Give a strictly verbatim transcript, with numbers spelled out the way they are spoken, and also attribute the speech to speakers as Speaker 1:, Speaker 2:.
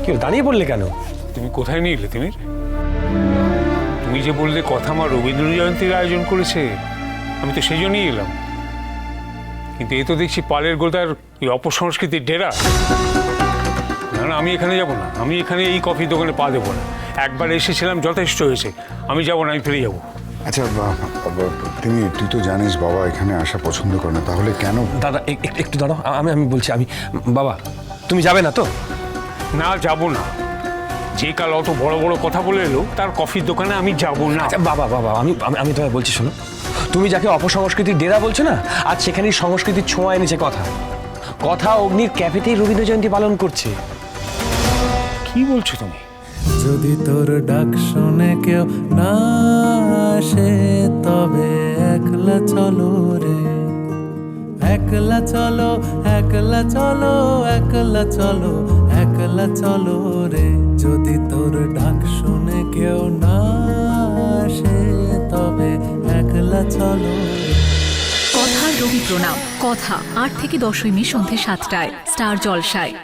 Speaker 1: কি দাঁড়িয়ে পড়লে কেন?
Speaker 2: তুমি কোথায় নিয়ে এলে তিমির? তুমি যে বললে কথা মা রবীন্দ্র জয়ন্তীর আয়োজন করেছে, আমি তো সেই জন্যই এলাম। কিন্তু এ তো দেখছি পালের গোদার এই অপসংস্কৃতির ডেরা। না না, আমি এখানে যাব না। আমি এখানে এই কফি দোকানে পা দেবো না। একবার এসেছিলাম, যথেষ্ট হয়েছে। আমি যাব না, আমি ফিরে যাবো।
Speaker 3: আচ্ছা তুমি, তুই তো জানিস বাবা এখানে আসা পছন্দ করে না, তাহলে কেন?
Speaker 1: দাদা এক- এক- একটু দাঁড়াও, আমি আমি বলছি। আমি বাবা, তুমি যাবে না তো?
Speaker 2: না, যাব না। যে কাল অত বড় বড় কথা বলে এলো, তার কফির দোকানে আমি যাব না।
Speaker 1: আচ্ছা বাবা বাবা, আমি আমি- আমি তোমায় বলছি, শোনো। তুমি যাকে অপসংস্কৃতির ডেরা বলছো না, আজ সেখানেই সংস্কৃতির ছোঁয়া এনেছে কথা। কথা অগ্নির ক্যাফেতেই রবীন্দ্র জয়ন্তী পালন করছে।
Speaker 2: কি বলছো তুমি?
Speaker 4: যদি তোর ডাক শুনে কেউ না আসে, তবে একলা চলো রে, একলা চলো, একলা চলো, একলা চলো, একলা চলো রে। যদি তোর ডাক শুনে কেউ না আসে, তবে একলা চলো রে।
Speaker 5: কথা রবি প্রণাম। কথা আট থেকে দশই মে সন্ধ্যে সাতটায় স্টার জলসায়।